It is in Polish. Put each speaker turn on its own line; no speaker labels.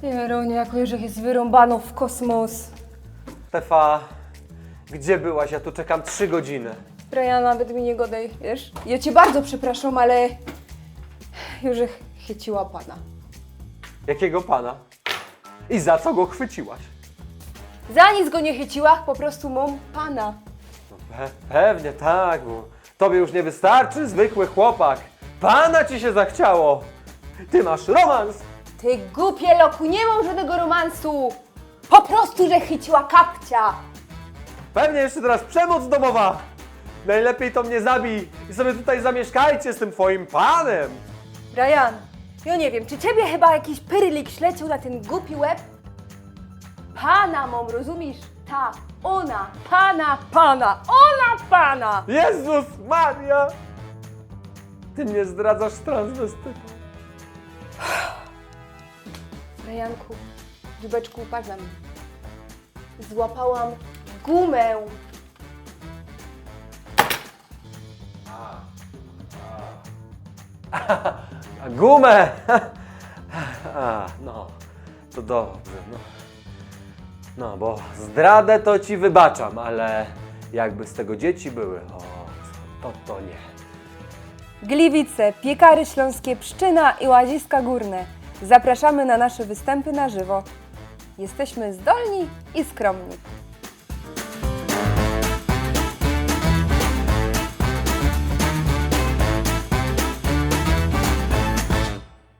Jeronie, jako Jerzych jest wyrąbano w kosmos.
Stefa, gdzie byłaś? Ja tu czekam 3 godziny.
Brian, nawet mi nie godaj, wiesz? Ja cię bardzo przepraszam, ale Jerzych chyciła pana.
Jakiego pana? I za co go chwyciłaś?
Za nic go nie chyciła, po prostu mam pana.
No pewnie tak, bo tobie już nie wystarczy zwykły chłopak. Pana ci się zachciało. Ty masz romans.
Ty głupie loku, nie mam żadnego romansu! Po prostu, że chyciła kapcia!
Pewnie jeszcze teraz przemoc domowa. Najlepiej to mnie zabij i sobie tutaj zamieszkajcie z tym twoim panem.
Brian, ja nie wiem, czy ciebie chyba jakiś pyrylik ślecił na ten głupi łeb? Pana mam, rozumiesz? Ta, ona, pana!
Jezus Maria! Ty mnie zdradzasz z transwestytą.
Brianku, dziubeczku, patrz na mnie. Złapałam gumę.
A gumę! A, no, to dobrze, no. No, bo zdradę to ci wybaczam, ale jakby z tego dzieci były, to nie.
Gliwice, Piekary Śląskie, Pszczyna i Łaziska Górne. Zapraszamy na nasze występy na żywo. Jesteśmy zdolni i skromni.